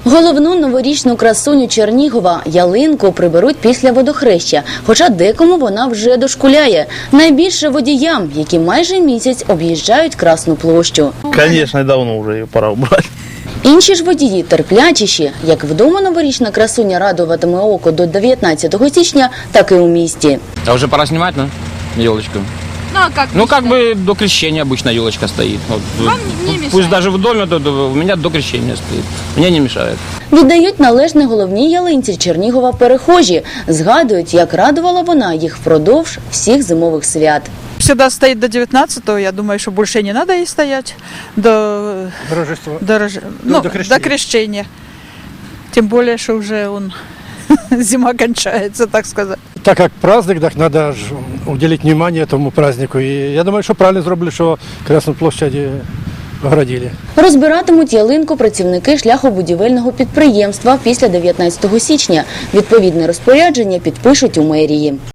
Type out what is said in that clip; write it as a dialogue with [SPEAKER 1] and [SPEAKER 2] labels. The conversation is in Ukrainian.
[SPEAKER 1] Головну новорічну красуню Чернігова – ялинку приберуть після водохреща, хоча декому вона вже дошкуляє. Найбільше водіям, які майже місяць об'їжджають Красну площу.
[SPEAKER 2] Конечно, давно уже ее пора убрать.
[SPEAKER 1] Інші ж водії терплячіші. Як вдома новорічна красуня радуватиме око до 19 січня, так і у місті.
[SPEAKER 3] А уже пора снимать, да? Елочку.
[SPEAKER 4] Ну а как?
[SPEAKER 3] Ну, как бы до крещения обычно елочка стоит. Вот,
[SPEAKER 4] Вам не мешает?
[SPEAKER 3] Пусть даже в доме, у меня до крещения стоит. Мне не мешает.
[SPEAKER 1] Віддають належне головній ялинці Чернігова перехожі. Згадують, як радувала вона їх впродовж всіх зимових свят.
[SPEAKER 5] Всегда стоит до 19-го, я думаю, что больше не надо ей стоять до до крещения. Тем более, что уже зима кончается, так сказать.
[SPEAKER 6] Так как праздник, так надо уделить внимание этому празднику. И я думаю, что правильно сделали, что Красную площадь оградили.
[SPEAKER 1] Розбиратимуть ялинку працівники шляхобудівельного підприємства після 19 січня. Відповідне розпорядження підпишуть у мерії.